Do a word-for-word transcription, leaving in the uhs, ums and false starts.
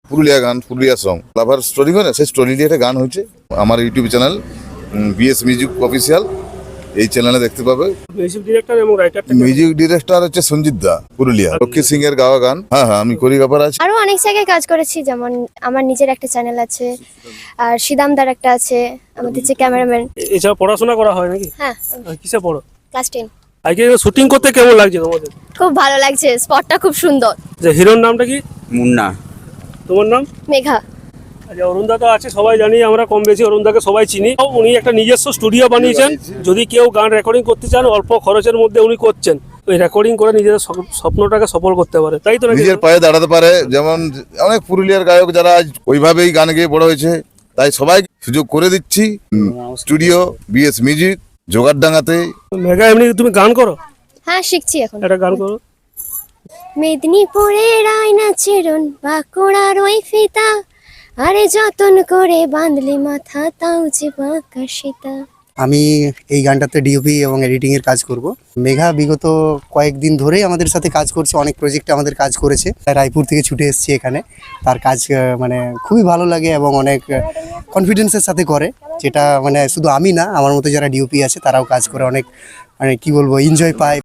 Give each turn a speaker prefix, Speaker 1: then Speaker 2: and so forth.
Speaker 1: পুরুলিয়া গান, পুরুলিয়া সং লাভার স্টোরি করে সেই স্টোরি দিয়ে একটা গান হয়েছে। আমার YouTube channel BS music official, এই চ্যানেলে দেখতে পাবে।
Speaker 2: মিউজিক ডিরেক্টর এবং রাইটার
Speaker 1: মিউজিক ডিরেক্টর হচ্ছে সঞ্জিত দা, পুরুলিয়া। লক্ষ্মী সিং এর গাওয়া গান। হ্যাঁ হ্যাঁ আমি কোরিওগ্রাফার আছি।
Speaker 3: আরো অনেক জায়গায় কাজ করেছি, যেমন আমার নিজের একটা চ্যানেল আছে, আর সিদামদার একটা আছে, আমাদের যে ক্যামেরাম্যান।
Speaker 2: এছাড়া পড়াশোনা করা হয় নাকি?
Speaker 3: হ্যাঁ,
Speaker 2: আর কিসে পড়ো?
Speaker 3: Class ten.
Speaker 2: আজকে শুটিং করতে কেমন লাগছে তোমাদের?
Speaker 3: খুব ভালো লাগছে, স্পটটা খুব সুন্দর।
Speaker 2: যে হিরোর নামটা কি?
Speaker 4: মুন্না।
Speaker 2: তোমার নাম?
Speaker 3: মেঘা।
Speaker 2: আচ্ছা, অরুণদা তো আছে, সবাই জানি, আমরা কম বেশি অরুণদাকে সবাই চিনি। উনি একটা নিজস্ব স্টুডিও বানিয়েছেন। যদি কেউ গান রেকর্ডিং করতে চান, অল্প খরচের মধ্যে উনি করছেন। ওই রেকর্ডিং করে নিজেদের স্বপ- স্বপ্নটাকে সফল করতে পারে, তাই তো নাকি?
Speaker 1: নিজের পায়ে দাঁড়াতে পারে। যেমন অনেক পুরুলিয়ার গায়ক যারা আজ ওইভাবেই গান গেয়ে বড় হয়েছে, তাই সবাই সুযোগ করে দিচ্ছি। Studio BS music জোগাড়ডাঙ্গাতে।
Speaker 2: মেঘা, এমনি তুমি গান করো?
Speaker 3: হ্যাঁ, শিখছি এখন।
Speaker 2: একটা গান করো।
Speaker 3: মেদিনীপুরের আয়না চেরন বাঁকুড়ার ওই ফিতা, আরে যতন করে বাঁধলি মাথা, তাও যে বাঁকা সীতা।
Speaker 4: আমি এই গানটাতে ডিওপি এবং এডিটিং এর কাজ করব। মেঘা বিগত কয়েকদিন ধরেই আমাদের সাথে কাজ করছে, অনেক প্রজেক্টে আমাদের কাজ করেছে। রায়পুর থেকে ছুটে এসেছি এখানে। তার কাজ আহ, মানে খুবই ভালো লাগে এবং অনেক কনফিডেন্সের সাথে করে, যেটা মানে শুধু আমি না, আমার মতো যারা ডিওপি আছে তারাও কাজ করে অনেক, মানে কি বলবো, এনজয় পায়।